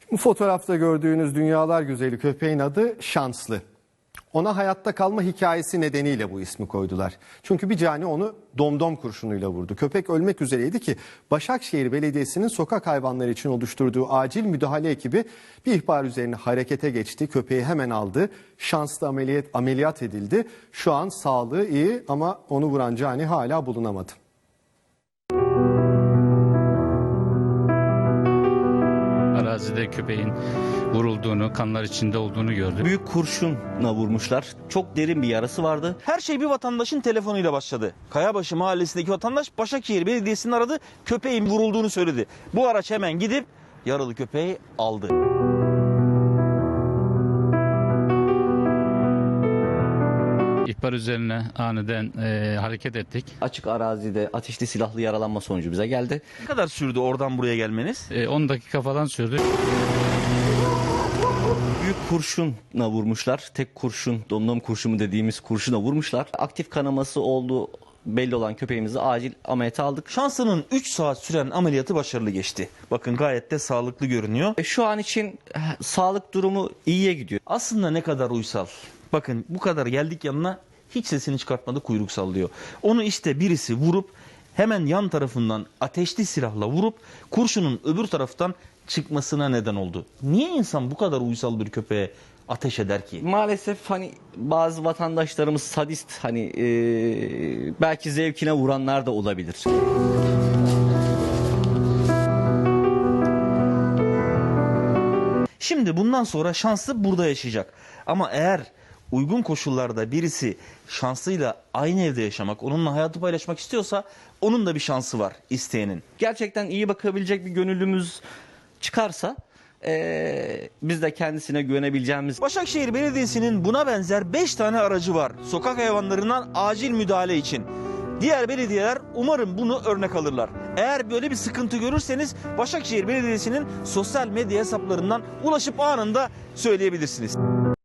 Bu fotoğrafta gördüğünüz dünyalar güzeli köpeğin adı Şanslı. Ona hayatta kalma hikayesi nedeniyle bu ismi koydular. Çünkü bir cani onu domdom kurşunuyla vurdu. Köpek ölmek üzereydi ki Başakşehir Belediyesi'nin sokak hayvanları için oluşturduğu acil müdahale ekibi bir ihbar üzerine harekete geçti. Köpeği hemen aldı. Şanslı ameliyat edildi. Şu an sağlığı iyi ama onu vuran cani hala bulunamadı. Arazide köpeğin vurulduğunu, kanlar içinde olduğunu gördük. Büyük kurşunla vurmuşlar. Çok derin bir yarası vardı. Her şey bir vatandaşın telefonuyla başladı. Kayabaşı mahallesindeki vatandaş Başakşehir Belediyesi'ni aradı. Köpeğin vurulduğunu söyledi. Bu araç hemen gidip yaralı köpeği aldı. İhbar üzerine aniden hareket ettik. Açık arazide ateşli silahlı yaralanma sonucu bize geldi. Ne kadar sürdü oradan buraya gelmeniz? 10 dakika falan sürdü. Büyük kurşunla vurmuşlar. Tek kurşun, domdom kurşunu dediğimiz kurşuna vurmuşlar. Aktif kanaması olduğu belli olan köpeğimizi acil ameliyata aldık. Şanslı'nın 3 saat süren ameliyatı başarılı geçti. Bakın gayet de sağlıklı görünüyor. Şu an için sağlık durumu iyiye gidiyor. Aslında ne kadar uysal. Bakın bu kadar geldik yanına, hiç sesini çıkartmadı, kuyruk sallıyor. Onu işte birisi vurup hemen yan tarafından ateşli silahla vurup kurşunun öbür taraftan çıkmasına neden oldu. Niye insan bu kadar uysal bir köpeğe ateş eder ki? Maalesef bazı vatandaşlarımız sadist, belki zevkine vuranlar da olabilir. Şimdi bundan sonra Şanslı burada yaşayacak. Ama eğer uygun koşullarda birisi Şanslı'yla aynı evde yaşamak, onunla hayatı paylaşmak istiyorsa onun da bir şansı var isteyenin. Gerçekten iyi bakabilecek bir gönüllümüz çıkarsa biz de kendisine güvenebileceğimiz... Başakşehir Belediyesi'nin buna benzer 5 tane aracı var sokak hayvanlarından acil müdahale için. Diğer belediyeler umarım bunu örnek alırlar. Eğer böyle bir sıkıntı görürseniz Başakşehir Belediyesi'nin sosyal medya hesaplarından ulaşıp anında söyleyebilirsiniz.